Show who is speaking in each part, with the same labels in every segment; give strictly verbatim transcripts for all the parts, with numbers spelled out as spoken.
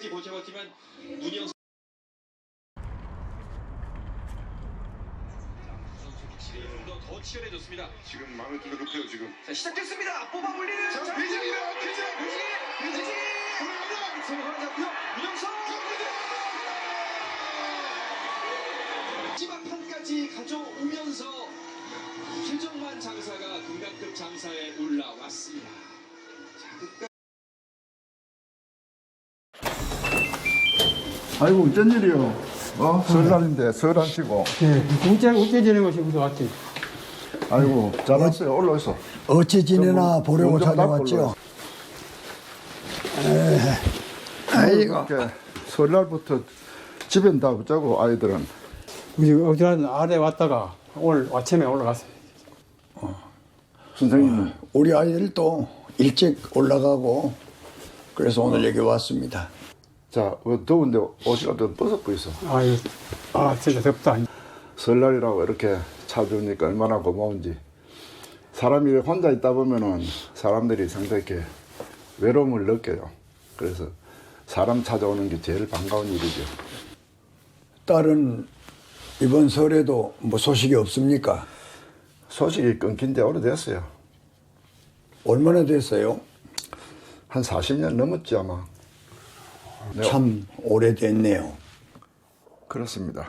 Speaker 1: 끝까지 버텨봤지만 문영 선수 확실히 좀더 더 치열해졌습니다.
Speaker 2: 지금 마음이 좀 더 급해요 지금.
Speaker 1: 자, 시작됐습니다. 뽑아 올리는
Speaker 2: 자, 배정이다. 배정.
Speaker 1: 배지 배지
Speaker 2: 돌아간다.
Speaker 1: 손을 하나 잡고요. 문영석 마지막 판까지 가져오면서 최정만 장사가 금강급 장사에 올라왔습니다. 자, 끝까지
Speaker 3: 아이고 어쩐 일이요? 어? 설날인데 설 안 쉬고.
Speaker 4: 예, 우째, 우째 지는 것이 무서 왔지.
Speaker 3: 아이고 잘 왔어요. 올라오소.
Speaker 5: 어찌 지내나 보려고
Speaker 3: 좀
Speaker 5: 찾아왔죠. 에, 아이고.
Speaker 3: 이렇게 설날부터 집엔 다 붙자고 아이들은.
Speaker 4: 우리 어디란 아래 왔다가 오늘 아침에 올라갔어요.
Speaker 3: 선생님은
Speaker 5: 우리 아이들도 일찍 올라가고 그래서 오늘 여기 왔습니다.
Speaker 3: 자 어, 더운데 옷이라도 벗었고 있어.
Speaker 4: 아유, 아, 진짜 덥다.
Speaker 3: 설날이라고 이렇게 찾아오니까 얼마나 고마운지. 사람이 혼자 있다 보면은 사람들이 상당히 이렇게 외로움을 느껴요. 그래서 사람 찾아오는 게 제일 반가운 일이죠.
Speaker 5: 딸은 이번 설에도 뭐 소식이 없습니까?
Speaker 3: 소식이 끊긴 지 오래됐어요.
Speaker 5: 얼마나 됐어요?
Speaker 3: 한 사십 년 넘었지 아마. 네,
Speaker 5: 참 오래됐네요.
Speaker 3: 그렇습니다.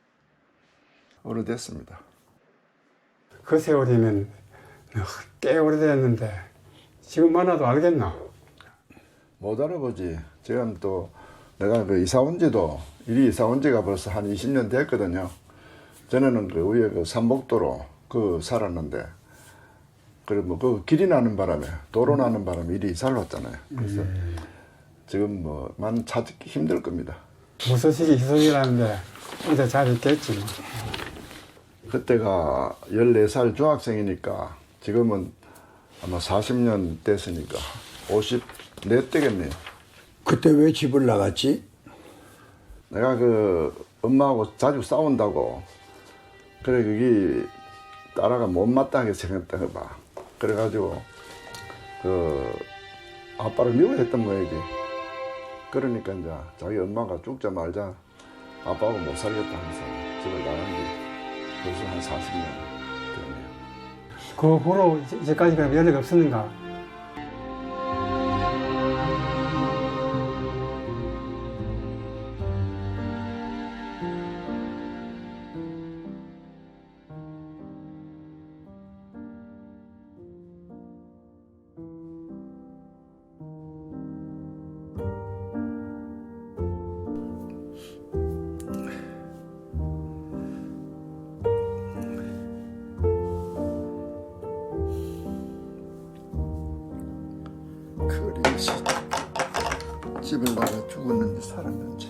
Speaker 3: 오래됐습니다.
Speaker 4: 그 세월이면 꽤 오래됐는데 지금 만나도 알겠나?
Speaker 3: 못 알아보지. 지금 또 내가 그 이사 온 지도, 이리 이사 온 지가 벌써 한 이십 년 됐거든요. 전에는 그 위에 그 삼복도로 그 살았는데, 그리고 뭐 그 길이 나는 바람에, 도로 나는 바람에 이리 이사를 왔잖아요. 그래서
Speaker 4: 음.
Speaker 3: 지금 뭐 많이 찾기 힘들 겁니다.
Speaker 4: 무소식이 희소식이라는데 어제 잘 있겠지. 뭐.
Speaker 3: 그때가 열네 살 중학생이니까 지금은 아마 사십 년 됐으니까 오십사 되겠네요.
Speaker 5: 그때 왜 집을 나갔지?
Speaker 3: 내가 그 엄마하고 자주 싸운다고 그래 그게 딸아가 못마땅하게 생겼다가 봐. 그래가지고 그 아빠를 미워했던 거야지. 그러니까 이제 자기 엄마가 죽자 말자 아빠하고 못 살겠다 하면서 집을 나간 지 벌써 한 사십 년 됐네요.
Speaker 4: 그 후로 이제까지 그럼 연락이 없었는가?
Speaker 3: 그리 집을 나가 죽었는지 살았는지.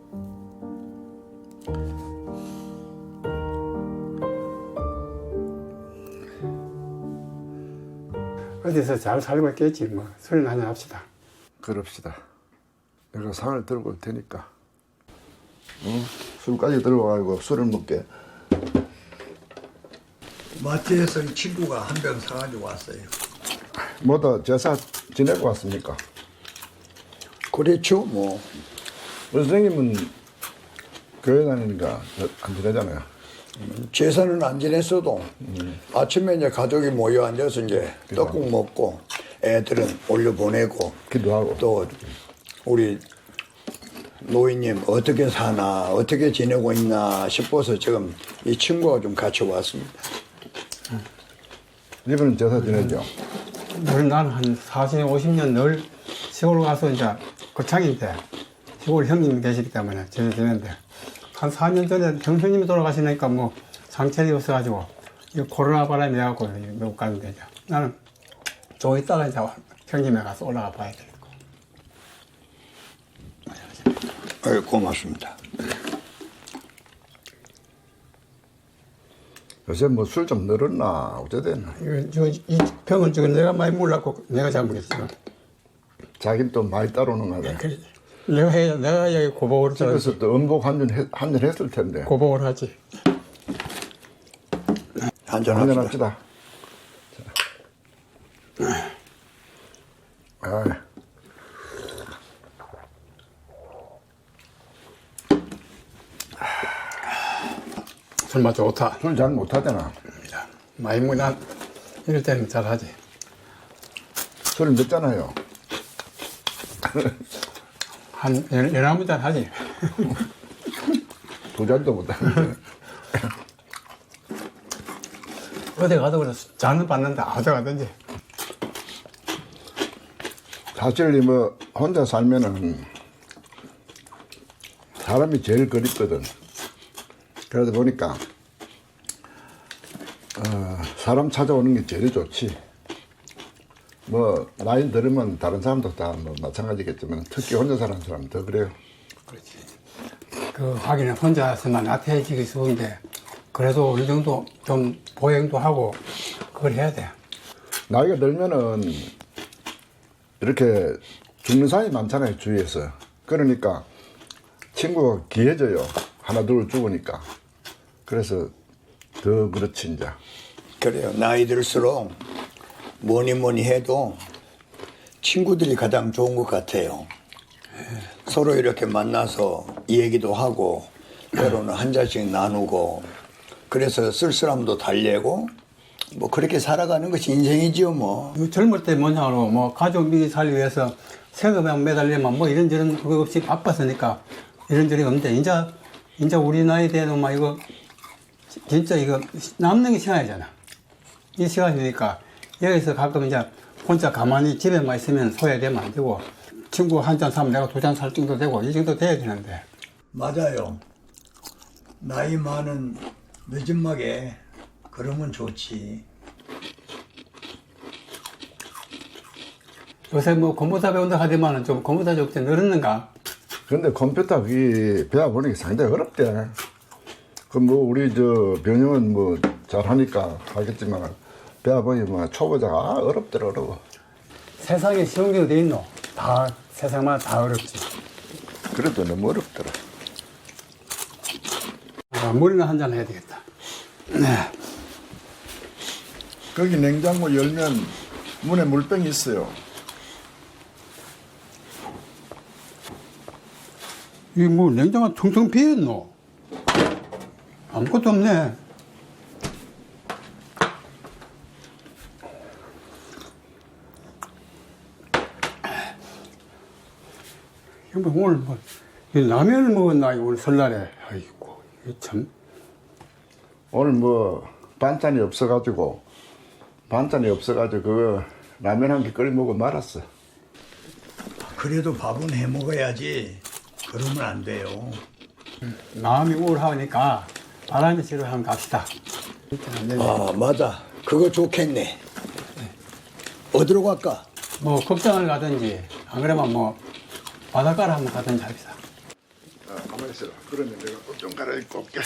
Speaker 4: 어디서 잘 살고 있겠지. 뭐 술이나 한잔 합시다.
Speaker 3: 그럽시다. 내가 상을 들고 올 테니까. 응? 술까지 들고 가지고 술을 먹게.
Speaker 5: 마트에서 이 친구가 한 병 사가지고 왔어요.
Speaker 3: 뭐다 제사 지내고 왔습니까?
Speaker 5: 그렇죠, 뭐.
Speaker 3: 선생님은 교회 다니니까 안 지내잖아요.
Speaker 5: 제사는 안 지냈어도 아침에 이제 가족이 모여 앉아서 이제 떡국 먹고 애들은 올려보내고
Speaker 3: 기도하고.
Speaker 5: 또 우리 노인님 어떻게 사나 어떻게 지내고 있나 싶어서 지금 이 친구가 좀 같이 왔습니다.
Speaker 3: 이분은 제사 지내죠.
Speaker 4: 늘 나는 한 사십, 오십 년 늘 시골 가서 이제 거창인데 시골 형님이 계시기 때문에 제사 지내는데 한 사 년 전에 형수님이 돌아가시니까 뭐 상처이 없어가지고 이 코로나 바람에 해갖고 못 가는데 이제 나는 좀 있다가 이제 형님에 가서 올라가 봐야 되겠고.
Speaker 5: 아유, 고맙습니다.
Speaker 3: 요새 뭐 술 좀 늘었나 어쩌됐나.
Speaker 4: 이거, 이 병은 지금 내가 많이 몰랐고 내가 잘못했지만
Speaker 3: 자긴 또 많이 따르는 거다.
Speaker 4: 그래. 내가 해, 내가 여기 고복을
Speaker 3: 집에서 또 음복 한잔 한잔 했을 텐데.
Speaker 4: 고복을 하지.
Speaker 5: 한잔
Speaker 3: 한잔
Speaker 5: 합시다.
Speaker 3: 합시다. 아,
Speaker 4: 술맛 좋다.
Speaker 3: 술 잘 못하잖아.
Speaker 4: 많이 먹나 이럴 때는 잘하지.
Speaker 3: 술을 몇 잔해요?
Speaker 4: 한 열- 열아홉 잔 하지.
Speaker 3: 두 잔도 못하는데.
Speaker 4: 어디 가도 그래 잔은 받는다. 어디 가든지.
Speaker 3: 사실 뭐 혼자 살면은 사람이 제일 그립거든. 그러다 보니까 어, 사람 찾아오는 게 제일 좋지. 뭐 나이 들으면 다른 사람도 다 뭐 마찬가지겠지만 특히 혼자 사는 사람은 더 그래요.
Speaker 4: 그렇지. 그 하기는 혼자서만 나태해지기 쉬운데 그래도 어느 정도 좀 보행도 하고 그걸 해야 돼.
Speaker 3: 나이가 들면은 이렇게 죽는 사람이 많잖아요, 주위에서. 그러니까 친구가 귀해져요. 하나 둘 죽으니까. 그래서 더 그렇지 이제.
Speaker 5: 그래요. 나이 들수록 뭐니 뭐니 해도 친구들이 가장 좋은 것 같아요. 서로 이렇게 만나서 얘기도 하고 때로는 한 잔씩 나누고 그래서 쓸쓸함도 달래고 뭐 그렇게 살아가는 것이 인생이지요 뭐.
Speaker 4: 젊을 때 뭐냐로 뭐 가족 미기 살기 위해서 세금에 매달리면 뭐 이런저런 그거 없이 바빴으니까 이런저런 없는데 이제 이제 우리 나이 때는 막 이거 진짜 이거 남는 게 시간이잖아. 이 시간이니까 여기서 가끔 이제 혼자 가만히 집에만 있으면 소외되면 안 되고 친구 한 잔 사면 내가 두 잔 살 정도 되고 이 정도 돼야 되는데.
Speaker 5: 맞아요. 나이 많은 늦은막에 그러면 좋지.
Speaker 4: 요새 뭐 컴퓨터 배운다 하더만은 좀 컴퓨터 좀 늘었는가?
Speaker 3: 근데 컴퓨터 그게 배워보는 게 상당히 어렵대. 그 뭐 우리 저 변형은 뭐 잘하니까 하겠지만 배워보니 뭐 초보자가 아, 어렵더라 어려워.
Speaker 4: 세상에 쉬운 게 어디 있노? 다 세상마다 다 어렵지.
Speaker 3: 그래도 너무 어렵더라.
Speaker 4: 아, 물이나 한 잔 해야 되겠다. 네.
Speaker 3: 거기 냉장고 열면 문에 물병이 있어요.
Speaker 4: 이 뭐 냉장고 텅텅 비었노? 아무것도 없네. 뭐 오늘 뭐 이 라면을 먹었나 오늘 설날에. 아이고 이게 참.
Speaker 3: 오늘 뭐 반찬이 없어가지고 반찬이 없어가지고 그 라면 한 개 끓여 먹고 말았어.
Speaker 5: 그래도 밥은 해 먹어야지. 그러면 안 돼요.
Speaker 4: 마음이 우울하니까 바람이 치러 한번 갑시다. 안 되네.
Speaker 5: 아 맞아. 그거 좋겠네. 어디로 갈까?
Speaker 4: 뭐 극장을 가든지 안 그러면 뭐 바닷가를 한번 가든지 합시다.
Speaker 3: 아, 가만히 있어라. 그러면 내가 옷 좀 갈아입고 올게.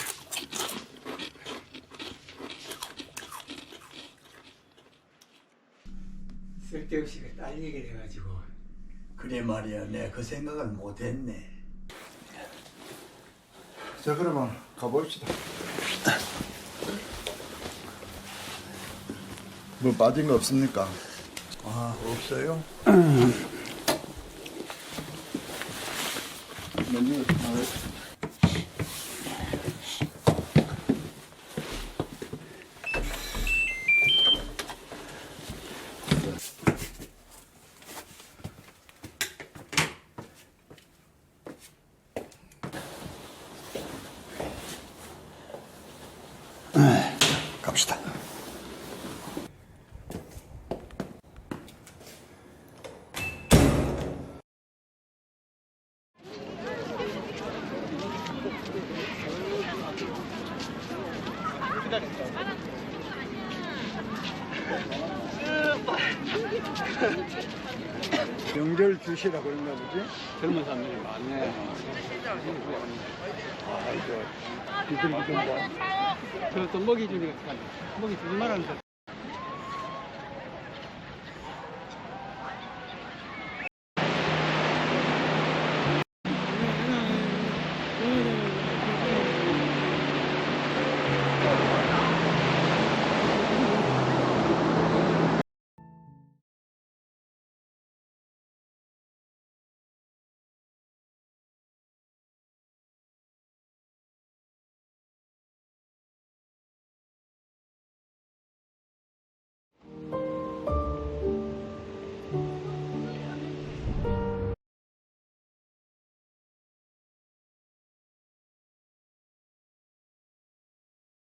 Speaker 4: 쓸데없이 딴 얘기를 해가지고.
Speaker 5: 그래 말이야. 내가 그 생각을 못했네.
Speaker 3: 자 그러면 가봅시다. 뭐 빠진 거 없습니까?
Speaker 5: 아 없어요?
Speaker 3: 메뉴 나와.
Speaker 5: 갑시다.
Speaker 3: 명절 주시라 그런가 보지?
Speaker 4: 젊은 사람들이 많네.
Speaker 3: 아 이거 비둘기 좀 봐.
Speaker 4: 저또 먹이 주니까 먹이 주지 말라는 거.